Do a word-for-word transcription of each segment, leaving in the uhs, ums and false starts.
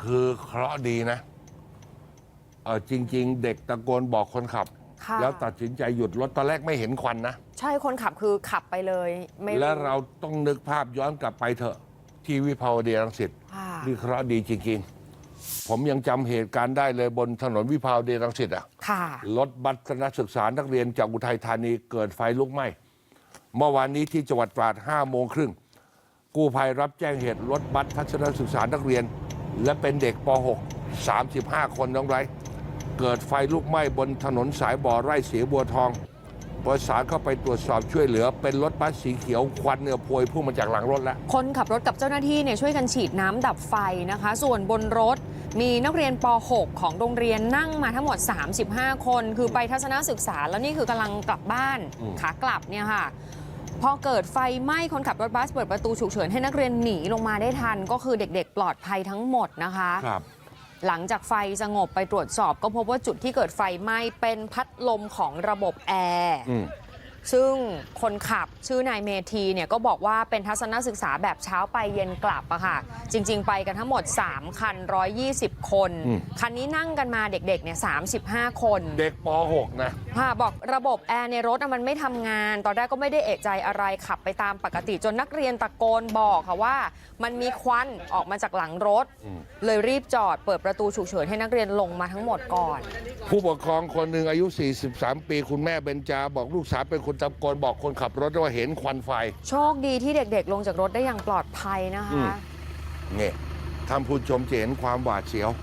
คือเคราะห์ดีนะเออจริงๆเด็กตะโกนบอกคนขับแล้วตัดสินใจหยุดรถตอนแรกไม่เห็นควันนะใช่คนขับคือขับไปเลยไม่แล้วเราต้องนึกภาพย้อนกลับไปเถอะที่วิภาวดีรังสิตนี่เคราะห์ดีจริงๆผมยังจำเหตุการณ์ได้เลยบนถนนวิภาวดีรังสิตอ่ะรถบัสคณะศึกษานักเรียนจากอุทัยธานีเกิดไฟลุกไหม้เมื่อวานนี้ที่จังหวัดตราดห้าโมงครึ่งกู้ภัยรับแจ้งเหตุรถบัสทัศนศึกษานักเรียนและเป็นเด็กป .หก สามสิบห้า คนน้องไรเกิดไฟลุกไหม้บนถนนสายบ่อไร่เสียบัวทองประสานเข้าไปตรวจสอบช่วยเหลือเป็นรถบัสสีเขียวควันเนื้อพวยพุ่งมาจากหลังรถแล้วคนขับรถกับเจ้าหน้าที่เนี่ยช่วยกันฉีดน้ำดับไฟนะคะส่วนบนรถมีนักเรียนป .หก ของโรงเรียนนั่งมาทั้งหมดสามสิบห้าคนคือไปทัศนศึกษาแล้วนี่คือกำลังกลับบ้านขากลับเนี่ยค่ะพอเกิดไฟไหม้คนขับรถบัสเปิดประตูฉุกเฉินให้นักเรียนหนีลงมาได้ทันก็คือเด็กๆปลอดภัยทั้งหมดนะคะครับหลังจากไฟสงบไปตรวจสอบก็พบว่าจุดที่เกิดไฟไหม้เป็นพัดลมของระบบแอร์ซึ่งคนขับชื่อนายเมธีเนี่ยก็บอกว่าเป็นทัศนศึกษาแบบเช้าไปเย็นกลับอะค่ะจริงๆไปกันทั้งหมดสามคันหนึ่งร้อยยี่สิบคนคันนี้นั่งกันมาเด็กๆเนี่ยสามสิบห้าคนเด็กป .หก นะค่ะบอกระบบแอร์ในรถมันไม่ทำงานตอนแรกก็ไม่ได้เอะใจอะไรขับไปตามปกติจนนักเรียนตะโกนบอกค่ะว่ามันมีควันออกมาจากหลังรถเลยรีบจอดเปิดประตูฉุกเฉินให้นักเรียนลงมาทั้งหมดก่อนผู้ปกครองคนหนึ่งอายุสี่สิบสามปีคุณแม่เบญจาบอกลูกสาวเป็นคนตะโกนบอกคนขับรถว่าเห็นควันไฟโชคดีที่เด็กๆลงจากรถได้อย่างปลอดภัยนะคะเนี่ยท่านผู้ชมจะเห็นความหวาดเสียว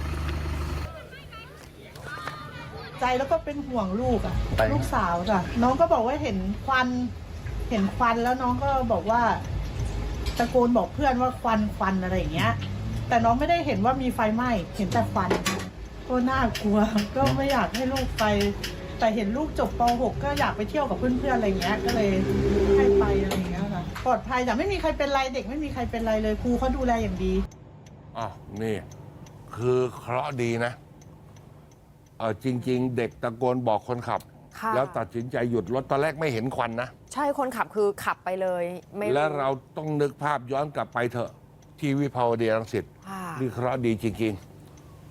ใจแล้วก็เป็นห่วงลูกอ่ะลูกสาวจ้ะน้องก็บอกว่าเห็นควันเห็นควันแล้วน้องก็บอกว่าตะโกนบอกเพื่อนว่าควันควันอะไรอย่างเงี้ยแต่น้องไม่ได้เห็นว่ามีไฟไหม้เห็นแต่ควันก็น่ากลัวก็ไม่อยากให้ลูกไปแต่เห็นลูกจบป .หก ก็อยากไปเที่ยวกับเพื่อนๆอะไรเงี้ยก็เลยให้ไปอะไรเงี้ยค่ะปลอดภัยแต่ไม่มีใครเป็นไรเด็กไม่มีใครเป็นไรเลยครูเขาดูแลอย่างดีอ๋อนี่คือเคราะห์ดีนะเออจริงๆเด็กตะโกนบอกคนขับแล้วตัดสินใจหยุดรถตอนแรกไม่เห็นควันนะใช่คนขับคือขับไปเลยไม่แล้วเราต้องนึกภาพย้อนกลับไปเถอะที่วิภาวดีรังสิตนี่เคราะห์ดีจริงๆ